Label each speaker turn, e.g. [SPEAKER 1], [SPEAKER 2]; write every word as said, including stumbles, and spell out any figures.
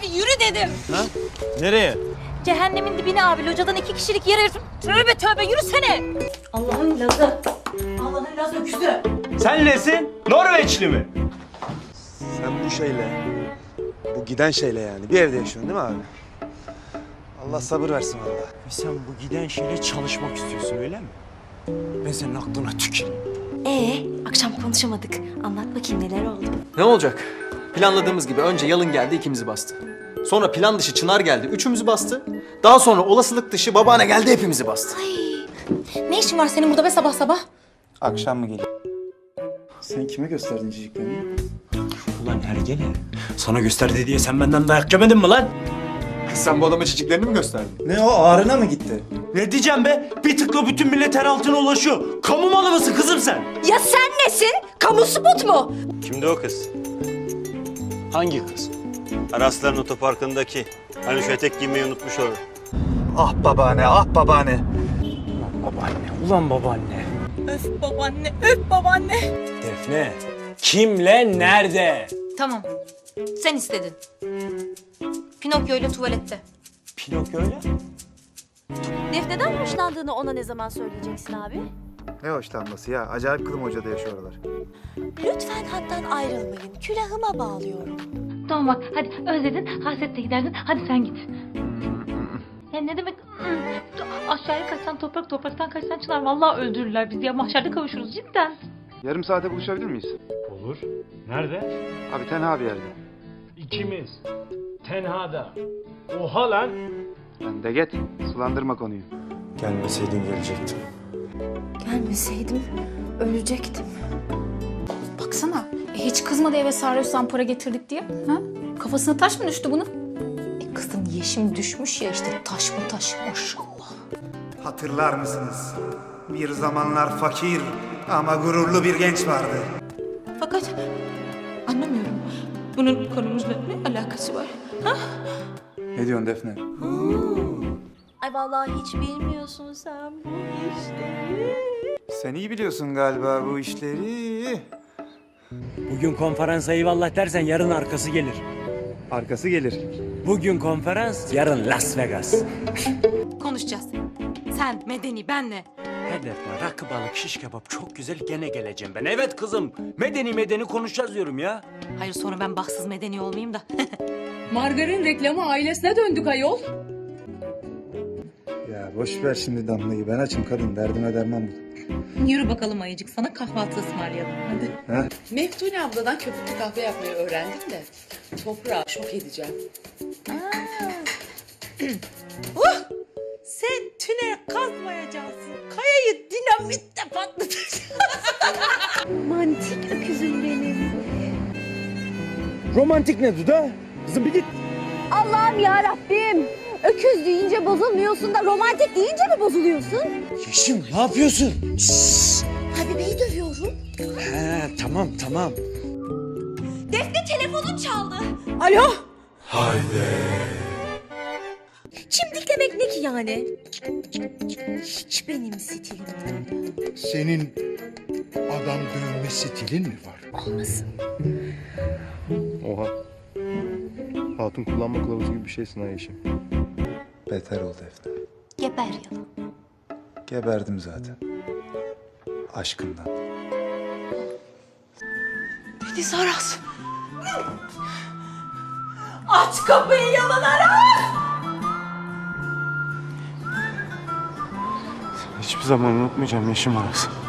[SPEAKER 1] Hadi yürü dedim.
[SPEAKER 2] Ha? Nereye?
[SPEAKER 1] Cehennemin dibine abi. Locadan iki kişilik yer ayırdım. Tövbe tövbe yürüsene. Allah'ın lazı. Allah'ın lazı öküzü.
[SPEAKER 2] Sen nesin? Norveçli mi?
[SPEAKER 3] Sen bu şeyle, bu giden şeyle yani bir evde yaşıyorsun değil mi abi? Allah sabır versin valla.
[SPEAKER 2] Ve sen bu giden şeyle çalışmak istiyorsun öyle mi? Ben senin aklına tüküreyim.
[SPEAKER 1] Ee, akşam konuşamadık. Anlat bakayım neler oldu.
[SPEAKER 4] Ne olacak? Planladığımız gibi önce Yalın geldi, ikimizi bastı. Sonra plan dışı Çınar geldi, üçümüzü bastı. Daha sonra olasılık dışı babaanne geldi, hepimizi bastı.
[SPEAKER 1] Ay, ne işin var senin burada be sabah sabah?
[SPEAKER 3] Akşam mı geliyor? Sen kime gösterdin ciciklerini?
[SPEAKER 2] Ulan hergele. Sana gösterdi diye sen benden dayak yemedin mi lan?
[SPEAKER 4] Kız sen bu adama çiçeklerini mi gösterdin?
[SPEAKER 3] Ne o ağrına mı gitti?
[SPEAKER 2] Ne diyeceğim be? Bir tıkla bütün millet her altına ulaşıyor. Kamu malı mısın kızım sen?
[SPEAKER 1] Ya sen nesin? Kamu spot mu?
[SPEAKER 5] Kimdi o kız?
[SPEAKER 2] Hangi kız?
[SPEAKER 5] Arasların otoparkındaki. Hani şu etek giymeyi unutmuş orada.
[SPEAKER 3] Ah babaanne, ah babaanne.
[SPEAKER 2] Babaanne, ulan babaanne.
[SPEAKER 1] Öf babaanne, öf babaanne.
[SPEAKER 2] Defne, kimle, nerede?
[SPEAKER 1] Tamam, sen istedin. Pinokyo ile tuvalette.
[SPEAKER 2] Pinokyo'yla?
[SPEAKER 6] Defne'den hoşlandığını ona ne zaman söyleyeceksin abi?
[SPEAKER 3] Ne hoşlanması ya? Acayip kılım hocada yaşıyor oralar.
[SPEAKER 6] Lütfen hattan ayrılmayın. Külahıma bağlıyorum.
[SPEAKER 1] Tamam bak, hadi özledin, hasretle giderdin. Hadi sen git. Ya ne demek? Aşağıya kaçsan toprak, topraktan kaçsan çınar. Vallahi öldürürler bizi ya. Mahşerde kavuşuruz cidden.
[SPEAKER 3] Yarım saate buluşabilir miyiz?
[SPEAKER 7] Olur. Nerede?
[SPEAKER 3] Abi tenha bir yerde.
[SPEAKER 7] İkimiz. Tenhada. Oha lan.
[SPEAKER 3] Ben de get, sulandırma konuyu.
[SPEAKER 2] Gelmeseydin gelecektim.
[SPEAKER 8] Gelmeseydim ölecektim. Baksana, e, hiç kızmadı eve sarıyorsan para getirdik diye. Ha? Kafasına taş mı düştü bunun? E, kızın yeşim düşmüş ya işte, taş mı taş maşallah.
[SPEAKER 9] Hatırlar mısınız? Bir zamanlar fakir ama gururlu bir genç vardı.
[SPEAKER 1] Fakat anlamıyorum. Bunun konumuzla ne alakası var? Ha?
[SPEAKER 3] Ne diyorsun Defne?
[SPEAKER 6] Ay vallahi hiç bilmiyorsun sen bu işleri.
[SPEAKER 3] Sen iyi biliyorsun galiba bu işleri.
[SPEAKER 2] Bugün konferansa eyvallah dersen yarın arkası gelir.
[SPEAKER 3] Arkası gelir.
[SPEAKER 2] Bugün konferans, yarın Las Vegas.
[SPEAKER 1] Konuşacağız. Sen, Medeni, benle.
[SPEAKER 2] Hedefler, rakı, balık, şiş kebap çok güzel, gene geleceğim ben. Evet kızım, medeni medeni konuşacağız diyorum ya.
[SPEAKER 1] Hayır sonra ben bahtsız medeni olmayayım da.
[SPEAKER 8] Margarin reklamı ailesine döndük ayol.
[SPEAKER 3] Ya boş ver şimdi Damla'yı. Ben açım kadın. Derdime derman bul.
[SPEAKER 1] Yürü bakalım ayıcık sana kahvaltı ısmarlayalım hadi.
[SPEAKER 3] Ha?
[SPEAKER 10] Meftune abladan köpüklü kahve yapmayı öğrendim de toprağı şok edeceğim.
[SPEAKER 1] uh! Sen tünel kazmayacaksın. Kayayı dinamitle patlatacaksın.
[SPEAKER 6] Romantik öküzüm benim.
[SPEAKER 2] Romantik ne Duda? Kızım bir git.
[SPEAKER 6] Allah'ım ya Rabbim. Öküz deyince bozulmuyorsun da romantik deyince mi bozuluyorsun?
[SPEAKER 2] Yeşim ne yapıyorsun?
[SPEAKER 6] Habibe'yi dövüyorum.
[SPEAKER 2] He tamam tamam.
[SPEAKER 6] Defne telefonun çaldı.
[SPEAKER 1] Alo?
[SPEAKER 6] Çimdik demek ne ki yani? Hiç benim stilim değil.
[SPEAKER 9] Senin adam dövme stilin mi var?
[SPEAKER 6] Olmasın.
[SPEAKER 3] Oha. Hatun kullanma kılavuzu gibi bir şeysin ha Yeşim. Beter ol Defne.
[SPEAKER 1] Geber yalan.
[SPEAKER 3] Geberdim zaten. Aşkından.
[SPEAKER 1] Deniz Aras. Aç kapıyı yalan Aras.
[SPEAKER 3] Hiçbir zaman unutmayacağım Yeşim Aras.